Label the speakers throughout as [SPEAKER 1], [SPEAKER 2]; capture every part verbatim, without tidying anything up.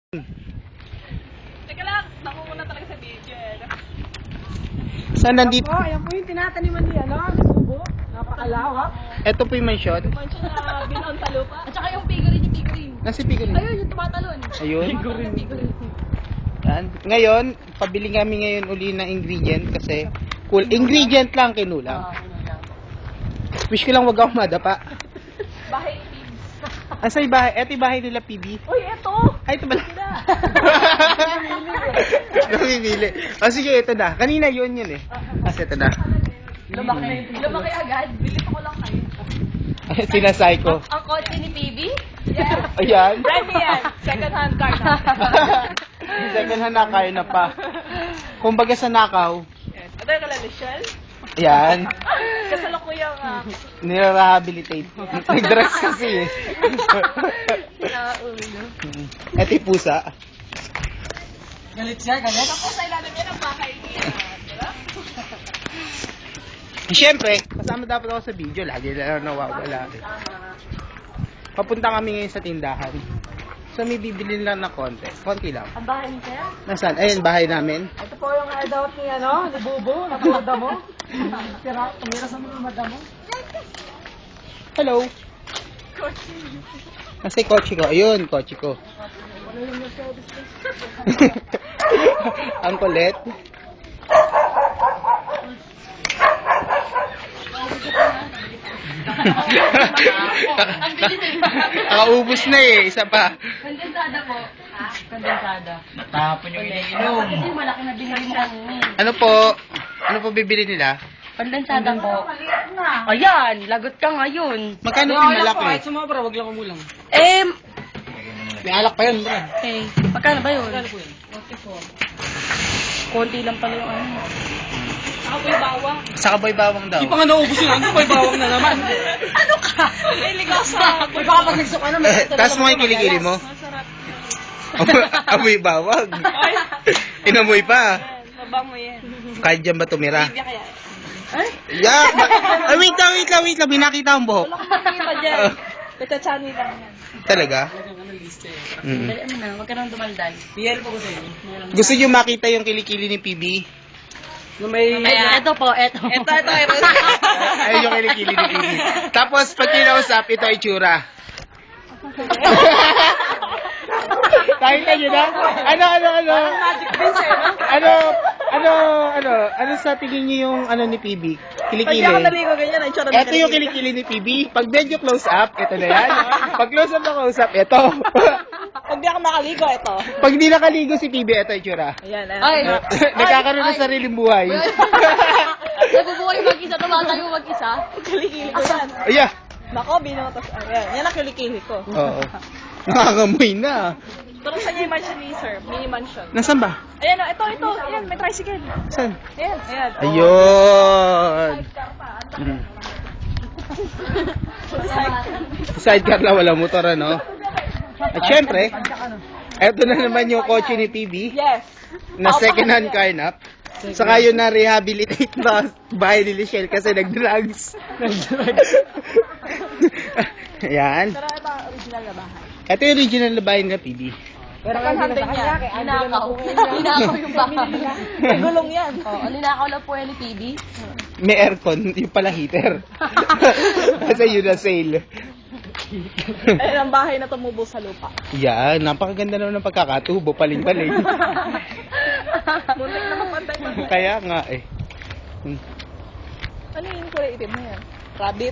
[SPEAKER 1] Teka lang, nakukuna talaga sa video eh.
[SPEAKER 2] Saan nandito?
[SPEAKER 3] Oh, ayan po yung tinataniman niya, no? Subo. Napakalawak.
[SPEAKER 2] Ito po yung mansion.
[SPEAKER 1] Mansion na binaon sa lupa. At saka yung figurine, yung figurine.
[SPEAKER 2] Nasa figurine.
[SPEAKER 1] Ayun, yung tumatalon.
[SPEAKER 2] Ayun.
[SPEAKER 1] Figurine. Figurine.
[SPEAKER 2] Yan. Ngayon, pabili kami ngayon uli ng ingredient kasi cool. Ingredient lang kinulang. Wish ko lang wag ako madapa.
[SPEAKER 1] Bahay Pibs.
[SPEAKER 2] Asa yung bahay? Ito yung bahay nila, P B.
[SPEAKER 1] Uy, eto!
[SPEAKER 2] Ay, ito pala. Namimili. O sige, ito na. Kanina yun yun eh. Kasi ito na.
[SPEAKER 1] Lumaki. Lumaki agad. Bilis ako lang kayo.
[SPEAKER 2] Sinasay ko.
[SPEAKER 1] Ang kotse ni P B? Yeah.
[SPEAKER 2] Ayan.
[SPEAKER 1] Brand new yan. Second hand car na.
[SPEAKER 2] Second hand na kayo na pa. Kumbaga sa nakaw.
[SPEAKER 1] Yes. Ito yung kalala, Shell.
[SPEAKER 2] Yan.
[SPEAKER 1] Kasalukuyang uh,
[SPEAKER 2] Nire-rehabilitate. Nag-drugs kasi eh.
[SPEAKER 1] Nauulo.
[SPEAKER 2] Ito yung pusa.
[SPEAKER 3] Galit siya, galit.
[SPEAKER 1] Tapos sa ilalim yan ang bahay niya. Diba?
[SPEAKER 2] Siyempre, kasama dapat ako sa video. Lagi na lang nawawala. Eh. Papunta kami ngayon sa tindahan. So may bibili lang na konti. Konti lang.
[SPEAKER 1] Ang bahay niya sir?
[SPEAKER 2] Nasaan? Ayun, bahay namin.
[SPEAKER 3] Ito po yung hideout ni, ano, ni Bubo, napuda mo. Tira, tumira sa mga madamo.
[SPEAKER 2] Hello. Nasa yung kotse ko. Ayun, kotse ko. Ang kulit. Nakaubos na eh. Isa pa.
[SPEAKER 1] Kondensada po.
[SPEAKER 3] Kondensada.
[SPEAKER 4] Natapon yung iniinom.
[SPEAKER 1] Kasi malaki na binili mo.
[SPEAKER 2] Ano po? Ano po bibili nila?
[SPEAKER 1] Kondensada po. Ayan, lagot ka ngayon.
[SPEAKER 2] Magkano yung malaki?
[SPEAKER 3] Kahit sumobra, wag lang kumulang.
[SPEAKER 1] Eh,
[SPEAKER 2] May alak pa yun, bro.
[SPEAKER 1] eh, magkano ba yun?
[SPEAKER 3] Ano po yun?
[SPEAKER 1] Konti lang pala yung ano. Saka po yung bawang.
[SPEAKER 2] Sa kaboy bawang daw.
[SPEAKER 3] Di pa nga naubos yun, ano pa yung bawang na naman?
[SPEAKER 1] Ano ka? May ligaw sa...
[SPEAKER 3] Uy, baka pag nagsuka na, may
[SPEAKER 2] Tapos mo yung kilikili mo.
[SPEAKER 1] Masarap.
[SPEAKER 2] Amoy bawang.
[SPEAKER 1] Ay,
[SPEAKER 2] Inamoy pa.
[SPEAKER 1] mabango yan.
[SPEAKER 2] Kahit dyan ba tumira?
[SPEAKER 1] Bibya kaya.
[SPEAKER 2] Yeah. Ay, wait lang, wait lang, wait lang. May nakita akong buhok.
[SPEAKER 1] Wala kang makikita dyan. Petachani lang yan.
[SPEAKER 2] Talaga? Mm.
[SPEAKER 1] Dali mo na, huwag ka nang dumaldal.
[SPEAKER 3] P L po ko sa inyo.
[SPEAKER 2] Gusto nyo makita yung kilikili ni P B?
[SPEAKER 3] Nung may...
[SPEAKER 1] Ito po, ito. Ito, ito, ito.
[SPEAKER 2] Ay, yung kilikili ni P B. Tapos, pag kinausap, ito ay tsura. Nakita nyo na? Ano, ano, ano?
[SPEAKER 3] Magic beans eh, no?
[SPEAKER 2] Ano, ano, ano, ano sa tingin nyo yung ano ni P B? Kilikili.
[SPEAKER 1] Pag ako naligo ganyan, ang tsura
[SPEAKER 2] Ito yung kilikili ni P B. Pag medyo close up, ito na yan. Pag close up na close up, ito.
[SPEAKER 1] Pag di ako nakaligo, ito.
[SPEAKER 2] Pag di nakaligo si P B, ito yung tsura.
[SPEAKER 1] Ayan, Ay.
[SPEAKER 2] Nagkakaroon ng sariling buhay.
[SPEAKER 1] Nabubuhay mag-isa, tumatayo mag-isa. Kilikili ko yan.
[SPEAKER 2] Ayan.
[SPEAKER 1] Nako, binotos. Ayan, yan ang kilikili ko.
[SPEAKER 2] Oo. Nakakamoy na.
[SPEAKER 1] Pero saan niya yung mansion ni sir? Mini mansion.
[SPEAKER 2] Nasaan ba?
[SPEAKER 1] Ayan, oh, ito, ito. Ayan, may tricycle.
[SPEAKER 2] Saan?
[SPEAKER 1] Ayan, ayan. oh.
[SPEAKER 2] Ayun.
[SPEAKER 1] Sidecar pa.
[SPEAKER 2] Mm. Sidecar na wala motor, ano? At syempre, eto na naman yung kotse ni P B
[SPEAKER 1] Yes.
[SPEAKER 2] na second hand car na. Saka yun na rehabilitate na bahay ni Lichelle kasi nag-drugs. Ayan.
[SPEAKER 1] Pero ito ang original na bahay.
[SPEAKER 2] Ito yung original na bahay nila P B.
[SPEAKER 3] Pero
[SPEAKER 1] Second hand din yan. Ninakaw. Ninakaw yung bahay. Nagulong yan. Oo, ninakaw lang po yan ni P B.
[SPEAKER 2] May aircon, yung pala heater. Kasi yun na sale.
[SPEAKER 1] Ayan ang bahay na tumubo sa lupa.
[SPEAKER 2] Yan, napakaganda naman ng pagkakatubo, paling-paling.
[SPEAKER 1] Muntik na mapantay.
[SPEAKER 2] Kaya nga eh. Hmm.
[SPEAKER 1] Ano yung kulay itim na yan? Rabbit?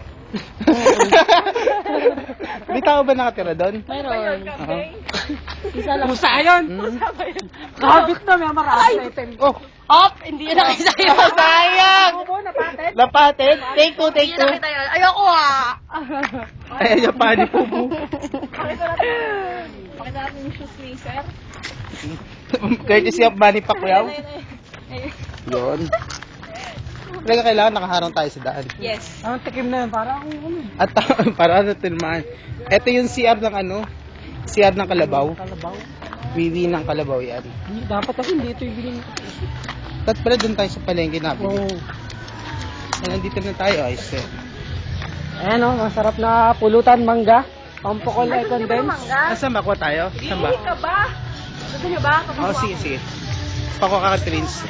[SPEAKER 2] May tao ba nakatira doon?
[SPEAKER 1] Mayroon.
[SPEAKER 2] Uh-huh.
[SPEAKER 1] Isa lang.
[SPEAKER 3] Pusa yun!
[SPEAKER 2] Hmm?
[SPEAKER 3] Kabit na, may marami na item.
[SPEAKER 2] Oh,
[SPEAKER 1] Op! Hindi yan nakita yun.
[SPEAKER 2] sayang!
[SPEAKER 3] Bubo, napated.
[SPEAKER 2] Lapatin, take two, take
[SPEAKER 1] Hindi
[SPEAKER 2] two.
[SPEAKER 1] nakita yun. Ayoko ah!
[SPEAKER 2] Ayan yung pani po po.
[SPEAKER 1] Pakita natin. Pakita natin yung shoes ni sir.
[SPEAKER 2] Courtesy of Manny Pacquiao.
[SPEAKER 1] Ayun, ayun, ayun.
[SPEAKER 2] Yun. Talaga kailangan nakaharang tayo sa daan.
[SPEAKER 1] Yes.
[SPEAKER 3] Ang tikim na yun, parang ano.
[SPEAKER 2] At para ano tilmaan. Ito yung C R ng ano? C R ng Kalabaw.
[SPEAKER 3] Kalabaw.
[SPEAKER 2] Wiwi ng Kalabaw yan.
[SPEAKER 3] Dapat kasi hindi ito yung bilhin.
[SPEAKER 2] Tapos pala doon tayo sa palengke natin.
[SPEAKER 3] Oo.
[SPEAKER 2] Ay, nandito na tayo, ayos eh.
[SPEAKER 3] Ayan o, masarap na pulutan mangga. Pampokol ay condense.
[SPEAKER 2] Nasaan ba? Kuha tayo? Saan ba?
[SPEAKER 1] Hindi ka ba?
[SPEAKER 3] Gusto niyo ba?
[SPEAKER 2] Oh, sige, sige. Pako ka, Prince.